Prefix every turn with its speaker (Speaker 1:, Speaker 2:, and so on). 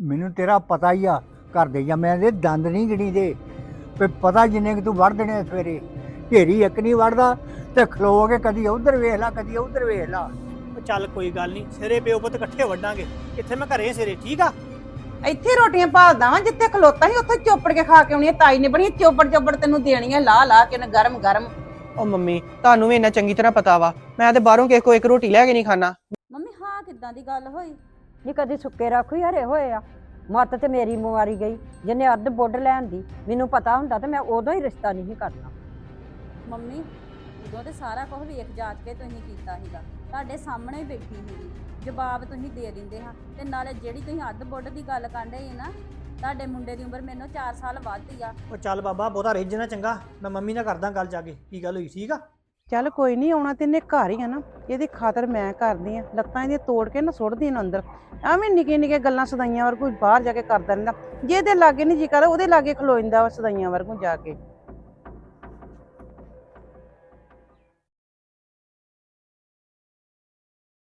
Speaker 1: ਮੈਨੂੰ ਤੇਰਾ ਪਤਾ ਹੀ ਆ ਘਰ ਦੇ ਜਾਂ ਮੈਂ ਦੇ ਦੰਦ ਨਹੀਂ ਗਿਣੀ ਦੇ ਵੀ ਪਤਾ ਜਿੰਨੇ ਕਿ ਤੂੰ ਵੜ ਦੇਣੇ ਸਵੇਰੇ ਢੇਰੀ ਇੱਕ ਨਹੀਂ ਵੜਦਾ ਤੇ ਖਲੋ ਕੇ ਕਦੀ ਉਧਰ ਵੇਖ ਲਾ ਕਦੀ ਉਧਰ ਵੇਖ ਲਾ।
Speaker 2: ਉਹ ਚੱਲ ਕੋਈ ਗੱਲ ਨਹੀਂ, ਸਿਰੇ ਪਿਓ ਪੁੱਤ ਇਕੱਠੇ ਵੱਢਾਂਗੇ। ਇੱਥੇ ਮੈਂ ਘਰੇ ਸਿਰੇ, ਠੀਕ ਆ?
Speaker 3: ਇੱਥੇ ਰੋਟੀਆਂ ਭਾਲਦਾ ਵਾਂ, ਜਿੱਥੇ ਖਲੋਤਾ ਸੀ ਉੱਥੇ ਚੋਪੜ ਕੇ ਖਾ ਕੇ ਆਉਣੀ। ਤਾਈ ਨੇ ਬਣੀ ਚੋਪੜ ਤੈਨੂੰ ਦੇਣੀਆਂ ਲਾ ਕੇ ਨਾ ਗਰਮ ਗਰਮ।
Speaker 4: ਉਹ ਮੰਮੀ ਤੁਹਾਨੂੰ ਵੀ ਇੰਨਾ ਚੰਗੀ ਤਰ੍ਹਾਂ ਪਤਾ ਵਾ, ਮੈਂ ਤੇ ਬਾਹਰੋਂ ਕਿਸੇ ਕੋ ਇੱਕ ਰੋਟੀ ਲੈ ਕੇ ਨਹੀਂ ਖਾਣਾ।
Speaker 5: ਮੰਮੀ ਹਾਂ ਕਿੱਦਾਂ ਦੀ ਗੱਲ ਹੋਈ? ਨੀ ਕਦੀ ਸੁੱਕੇ ਰੱਖੋ ਹਰੇ ਹੋਏ ਆ। ਮੱਤ ਤੇ ਮੇਰੀ ਮੁਆਰੀ ਗਈ, ਜਿਹਨੇ ਅੱਧ ਬੁੱਢ ਲੈਣ ਦੀ। ਮੈਨੂੰ ਪਤਾ ਹੁੰਦਾ ਤੇ ਮੈਂ ਉਦੋਂ ਹੀ ਰਿਸ਼ਤਾ ਨਹੀਂ ਕਰਨਾ। ਮੰਮੀ ਉਦੋਂ ਤੇ ਸਾਰਾ ਕੁਝ ਵੇਖ ਜਾਚ ਕੇ ਤੁਸੀਂ ਕੀਤਾ ਸੀਗਾ, ਤੁਹਾਡੇ ਸਾਹਮਣੇ ਬੈਠੀ ਸੀਗੀ, ਜਵਾਬ ਤੁਸੀਂ ਦੇ ਦਿੰਦੇ ਹਾਂ। ਤੇ ਨਾਲੇ ਜਿਹੜੀ ਤੁਸੀਂ ਅੱਧ ਬੁੱਢ ਦੀ ਗੱਲ ਕਰਦੇ ਸੀ ਨਾ, ਤੁਹਾਡੇ ਮੁੰਡੇ ਦੀ ਉਮਰ ਮੈਨੂੰ 4 ਸਾਲ ਵੱਧ ਆ।
Speaker 2: ਉਹ ਚੱਲ ਬਾਬਾ ਬਹੁਤਾ ਰਿੱਝ ਨਾ, ਚੰਗਾ? ਮੈਂ ਮੰਮੀ ਨਾਲ ਕਰਦਾ ਗੱਲ ਜਾ ਕੇ, ਕੀ ਗੱਲ ਹੋਈ, ਠੀਕ ਆ?
Speaker 3: ਚੱਲ ਕੋਈ ਨਹੀਂ, ਆਉਣਾ ਤੇ ਇਹਨੇ ਘਰ ਹੀ ਆ ਨਾ, ਇਹਦੀ ਖਾਤਰ ਮੈਂ ਕਰਦੀ ਆ। ਲੱਤਾਂ ਇਹਦੀਆਂ ਤੋੜ ਕੇ ਨਾ ਸੁੱਟਦੀ ਇਹਨੂੰ ਅੰਦਰ। ਐਵੇਂ ਨਿੱਕੇ ਗੱਲਾਂ ਸਦਾਈਆਂ ਵਰਗੂ ਬਾਹਰ ਜਾ ਕੇ ਕਰਦਾ ਰਹਿੰਦਾ। ਜੇ ਇਹਦੇ ਲਾਗੇ ਨਹੀਂ ਜੀ ਕਰਦਾ ਉਹਦੇ ਲਾਗੇ ਖਲੋ ਜਾਂਦਾ ਵਾ ਸਦਾਈਆਂ ਵਰਗੂ ਜਾ ਕੇ।